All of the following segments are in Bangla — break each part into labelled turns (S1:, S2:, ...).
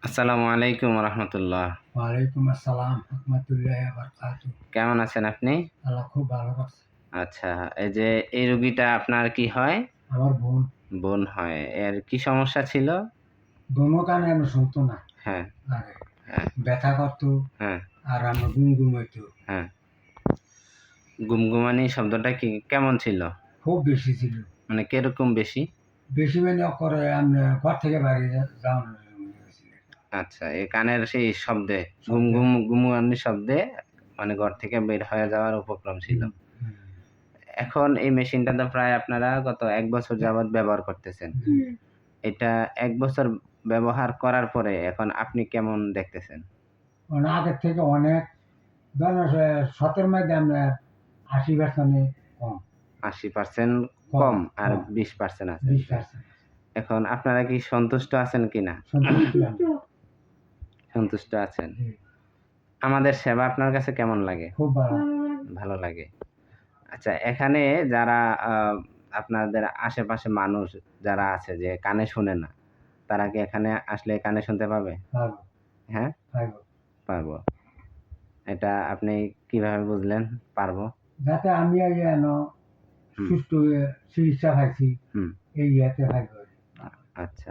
S1: আসসালামু আলাইকুম রহমতুল্লাহ।
S2: ওয়ালাইকুম আসসালাম রহমতুল্লাহি ওয়া বারাকাতুহু।
S1: কেমন আছেন আপনি?
S2: আল্লাহ খুব ভালো রাখছে।
S1: আচ্ছা, এই যে এই রোগীটা আপনার কি হয়?
S2: আমার বোন
S1: বোন হয়। এর কি সমস্যা ছিল?
S2: দোনো কানে আমি শুনতো না
S1: হ্যাঁ,
S2: আগে,
S1: হ্যাঁ,
S2: ব্যথা করতো
S1: হ্যাঁ,
S2: আর আমার গুমগুম হইতো।
S1: হ্যাঁ। গুমগুমানি শব্দটা কি কেমন ছিল?
S2: খুব বেশি ছিল।
S1: মানে কিরকম বেশি?
S2: বেশি মানে করে আমি ঘর থেকে বাইরে যাওয়ার মনে হয়েছিল।
S1: আচ্ছা, এই কানের সেই শব্দে
S2: শব্দে।
S1: গুমগুমানি শব্দে মানে ঘর থেকে বের হয়ে যাওয়ার উপক্রম ছিল।
S2: হুম, হুম,
S1: এখন এই মেশিনটা তো প্রায় আপনারা গত ১ বছর যাবৎ ব্যবহার করতেছেন।
S2: হুম।
S1: এটা ১ বছর ব্যবহার করার পরে এখন আপনি কেমন দেখতেছেন?
S2: মানে আগের থেকে অনেক ধরেন ১৭ মধ্যে আমরা ৮০% কম,
S1: ৮০%
S2: কম,
S1: কম আর
S2: কম,
S1: ২০% আছে।
S2: ২০%।
S1: এখন আপনারা কি সন্তুষ্ট আছেন কিনা?
S2: সন্তুষ্ট আমি।
S1: সন্তুষ্ট আছেন।
S2: জি,
S1: আমাদের সেবা আপনার কাছে কেমন লাগে?
S2: খুব ভালো।
S1: ভালো লাগে। আচ্ছা, এখানে যারা আ আপনাদের আশেপাশে মানুষ যারা আছে যে কানে শোনে না, তারা কি এখানে আসলে কানে শুনতে পাবে?
S2: পারবো,
S1: হ্যাঁ?
S2: পারবো।
S1: পারবো। এটা আপনি কিভাবে বুঝলেন পারবো?
S2: যাতে আমি যেন
S1: হুম,
S2: সুষ্ঠু চিকিৎসা পাইছি
S1: হুম।
S2: এই ইয়েতে পাইব।
S1: আচ্ছা।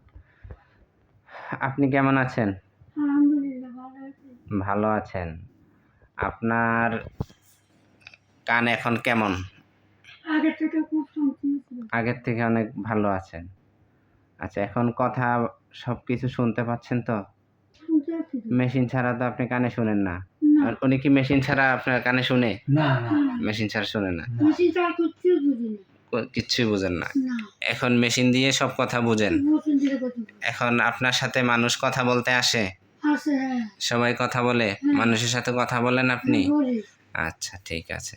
S1: আপনি কেমন আছেন?
S2: আলহামদুলিল্লাহ ভালো আছি।
S1: ভালো আছেন। আপনার কান এখন কেমন?
S2: আগের থেকে খুব সমস্যা ছিল।
S1: আগের থেকে অনেক ভালো আছেন। আচ্ছা, এখন কথা সবকিছু শুনতে পাচ্ছেন তো?
S2: শুনতে পাচ্ছি তো।
S1: মেশিন ছাড়া তো আপনি কানে শোনেন না।
S2: না।
S1: আর উনি কি মেশিন ছাড়া আপনার কানে শুনে?
S2: না, না,
S1: মেশিন ছাড়া শোনে না।
S2: মেশিন ছাড়া কিচ্ছুই বুঝি না।
S1: কিচ্ছুই বুঝেন না।
S2: না।
S1: এখন মেশিন দিয়ে সব কথা বুঝেন।
S2: মেশিন দিয়ে কথা বলি।
S1: এখন আপনার সাথে মানুষ কথা বলতে আসে?
S2: আছে, হ্যাঁ।
S1: সবাই কথা বলে?
S2: হ্যাঁ।
S1: মানুষের সাথে কথা বলেন আপনি?
S2: বলি।
S1: আচ্ছা, ঠিক আছে।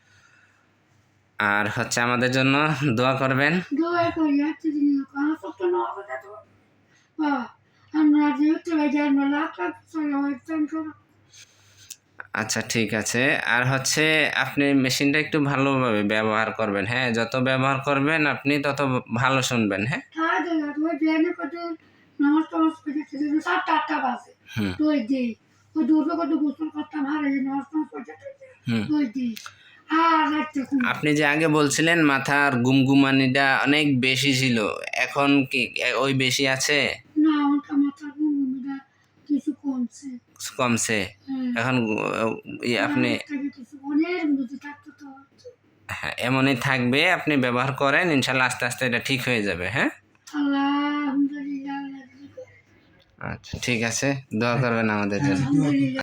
S1: আর হচ্ছে আমাদের জন্য দোয়া করবেন।
S2: দোয়া করি একটা জিনিস আমার সত্য না হবে তো বাবা আমরা যেহেতু আমরা লাখ লাখ টাকা
S1: আচ্ছা, ঠিক আছে। আর হচ্ছে আপনি মেশিনটা একটু ভালোভাবে ব্যবহার করবেন, হ্যাঁ? যত ব্যবহার করবেন আপনি তত ভালো শুনবেন, হ্যাঁ?
S2: খাওয়া দাওয়া ওই বিয়ানে কত নামাজ টামাজ করে ৭টা ৮টা বাজে
S1: হুম,
S2: ওই দিই ওই দুটো কত গোসল করতাম আর এই নামাজ টামাজ করতে
S1: হুম।
S2: ওই দিই আর রাখতে
S1: আপনি যে আগে বলছিলেন মাথার গুমগুমানিটা অনেক বেশি ছিল। এখন কি ওই বেশি আছে?
S2: না আমার মাথার ঘুমিটা কিছু কমছে
S1: কমছে?
S2: হ্যাঁ
S1: এখন আপনি
S2: আগের থেকে কিছু অনেক বুঝে থাকতো তো
S1: হ্যাঁ, এমনই থাকবে। আপনি ব্যবহার করেন। ইনশাআল্লাহ আস্তে, আস্তে এটা ঠিক হয়ে যাবে, হ্যাঁ?
S2: আলহামদুলিল্লাহ
S1: আচ্ছা, ঠিক আছে। দোয়া করবেন আমাদের জন্য।
S2: আলহামদুলিল্লাহ